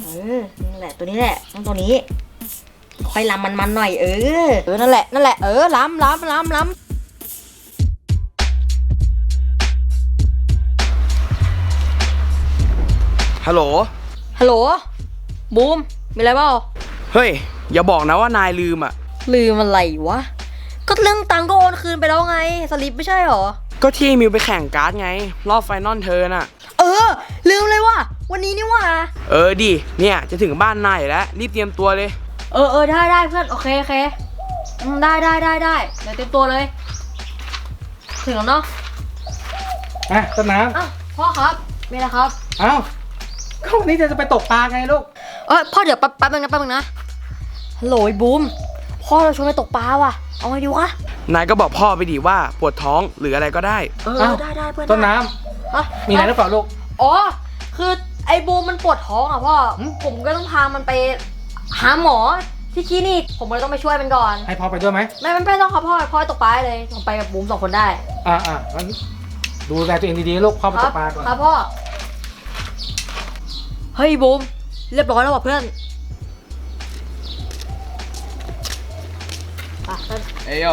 นั่นแหละตัวนี้แหละต้องตัวนี้ค่อยล้ำมันหน่อยนั่นแหละล้ำฮัลโหลบูมมีอะไรเปล่าเฮ้ยอย่าบอกนะว่านายลืมอ่ะลืมอะไรวะก็เรื่องตังค์ก็โอนคืนไปแล้วไงสลิปไม่ใช่หรอก็ที่มิวไปแข่งการ์ดไงรอบไฟนอลเธอน่ะลืมเลยว่ะวันนี้นี่ว่ะดิเนี่ยจะถึงบ้านนายแล้วรีบเตรียมตัวเลยได้เพื่อนโอเคได้เดี๋ยวเตรียมตัวเลยถึงแล้วเนาะต้นน้ำพ่อครับมีอะไรครับก็วันนี้จะไปตกปลาไงลูกพ่อเดี๋ยวแป๊บนึงนะฮัลโหลบูมพ่อเราชวนไปตกปลาว่ะเอาไงดีวะนายก็บอกพ่อไปดิว่าปวดท้องหรืออะไรก็ได้ได้เพื่อนต้นน้ำมีอะไรหรือเปล่าลูกคือไอ้บูมมันปวดท้องพ่อผมก็ต้องพามันไปหาหมอที่คลินิกผมเลยต้องไปช่วยมันก่อนให้พ่อไปด้วยไหมไม่ต้องครับพ่อตกปลาเลยผมไปกับบูม2 คนได้งั้นดูแลตัวเองดีๆลูกพ่อไปตกปลาก่อนครับพ่อเฮ้ยบูมเรียบร้อยแล้วว่ะเพื่อนเอ้ย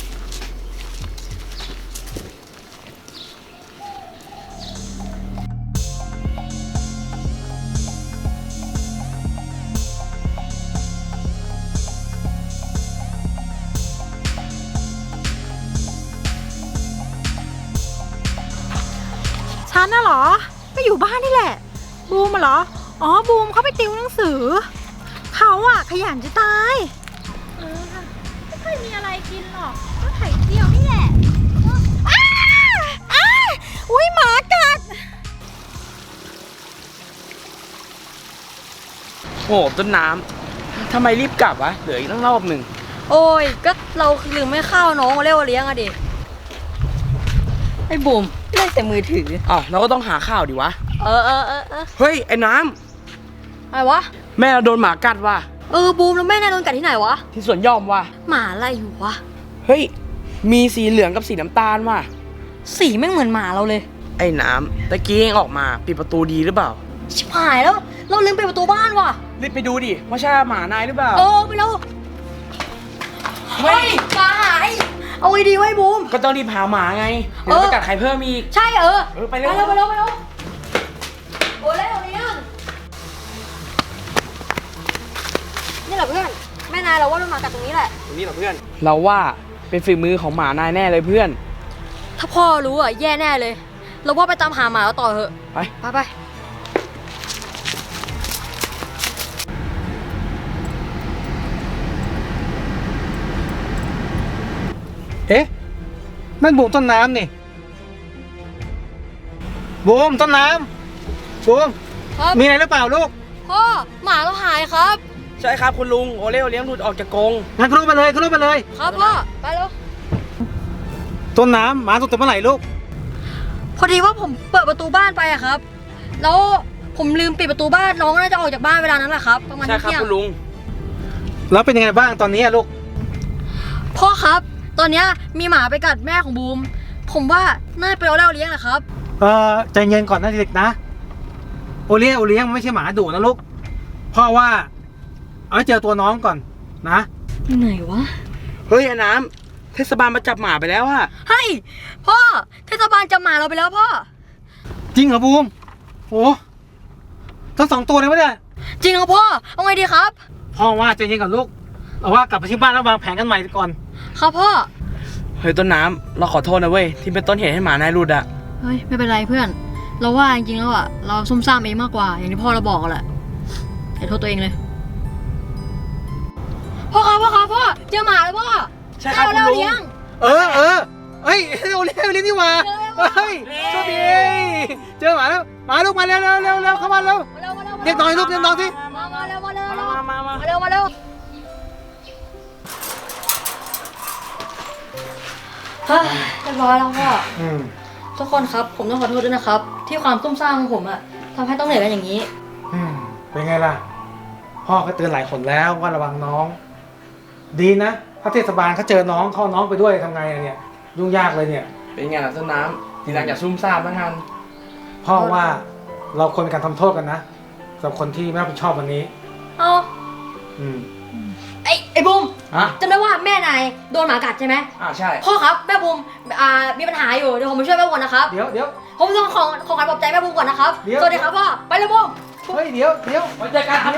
ฉันน่ะเหรอก็อยู่บ้านนี่แหละบูมเหรอบูมเขาไปติวหนังสือเขาอะขยันจะตายไม่ค่อยมีอะไรกินหรอกก็ไข่เจียวนี่แหละอุ้ยหมากัดโอ้ต้นน้ำทำไมรีบกลับวะเหลืออีกตั้งรอบหนึ่งโอ้ยก็เราลืมไม่เข้าน้องเรียกว่าเลี้ยงอะดิไอ้บูมเล่นแต่มือถือเราก็ต้องหาข้าวดิวะเฮ้ยไอ้น้ำอะไรวะแม่เราโดนหมากัดว่ะบูมแล้วแม่นายโดนกัดที่ไหนวะที่สวนยอมว่ะหมาอะไรอยู่วะเฮ้ยมีสีเหลืองกับสีน้ำตาลว่ะสีแม่งเหมือนหมาเราเลยไอ้น้ำตะกี้เองออกมาปิดประตูดีหรือเปล่าชิบหายแล้วเราลืมปิดประตูบ้านว่ะรีบไปดูดิว่าใช่หมานายหรือเปล่าไปแล้วเฮ้ยหมาหายเอาไว้ดีไว้บูมก็ต้องรีบหาหมาไงเดี๋ยวไปกัดใครเพิ่มอีกใช่ไปเร็วโอ้เร็วเนี่ยนี่แหละเพื่อนแม่นายเราว่ามันมากัดตรงนี้แหละตรงนี้เหรอเพื่อนเราว่าเป็นฝีมือของหมานายแน่เลยเพื่อนถ้าพ่อรู้แย่แน่เลยเราว่าไปตามหาหมาแล้วต่อเถอะไปนั่นบูมต้นน้ำนี่บูมต้นน้ำบูมมีอะไรหรือเปล่าลูกพ่อหมาเราหายครับใช่ครับคุณลุงโอเลี้ยงหลุดออกจากกรงงั้นขึ้นรถไปเลยครับพ่อไปแล้วต้นน้ำหมาตกแต่เมื่อไหร่ลูกพอดีว่าผมเปิดประตูบ้านไปครับแล้วผมลืมปิดประตูบ้านน้องน่าจะออกจากบ้านเวลานั้นแหละครับประมาณใช่ครับคุณลุงแล้วเป็นยังไงบ้างตอนนี้ลูกพ่อครับตอนนี้มีหมาไปกัดแม่ของบูมผมว่าน่าไปเอาเลี้ยงแหละครับใจเย็นก่อนนะเด็กนะโอเลี้ยงไม่ใช่หมาดุนะลูกพ่อว่าเอาให้เจอตัวน้องก่อนนะไหนวะเฮ้ยไอ้น้ำเทศบาลมาจับหมาไปแล้วอะเฮ้ยพ่อเทศบาลจับหมาเราไปแล้วพ่อจริงเหรอบูมโอ้ทั้ง2 ตัวเลยวะเนี่ยจริงเหรอพ่อเอาไงดีครับพ่อว่าใจเย็นก่อนลูกเอาว่ากลับไปที่บ้านแล้ววางแผนกันใหม่ก่อนครับพ่อเฮ้ยต้นน้ำเราขอโทษนะเว้ยที่เป็นต้นเหตุให้หมานายรุดอะเฮ้ยไม่เป็นไรเพื่อนเราว่าจริงๆแล้วเราซุ่มซ่ามเองมากกว่าอย่างที่พ่อเราบอกแหละอย่าโทษตัวเองเลยพ่อเจอหมาแล้วพ่อใช่ครับคุณลุงเฮ้ยเราเลี้ยงนี่มาเฮ้ยโชคดีเจอหมาแล้วมาลูกมาเร็วเข้ามาเร็วเรียกน้องลูกเรียกน้องสิมาเร็วมาเร็วเฮ้ยเรียบร้อยแล้วพ่อทุกคนครับผมต้องขอโทษด้วยนะครับที่ความซุ่มซ่ามของผมทำให้ต้องเหนื่อยกันอย่างนี้เป็นไงล่ะพ่อก็เตือนหลายคนแล้วว่าระวังน้องดีนะถ้าเทศบาลเขาเจอน้องเข้าน้องไปด้วยทำไงเนี่ยยุ่งยากเลยเนี่ยเป็นไงล่ะต้นน้ำทีหลังอย่าซุ่มซ่ามนะงานพ่อว่าเราควรมีการทำโทษกันนะสำหรับคนที่ไม่รับผิดชอบวันนี้เอาอืมไอ้บูมฮะจำได้ว่าแม่นายโดนหมากัดใช่ไหมใช่พ่อครับแม่บูมมีปัญหาอยู่เดี๋ยวผมไปช่วยแม่บูมนะครับเดี๋ยวผมต้องขอการปลอบใจแม่บูมก่อนนะครับเดี๋ยวสวัสดีครับพ่อไปเลยบูมเฮ้ยเดี๋ยวไว้เจอกัน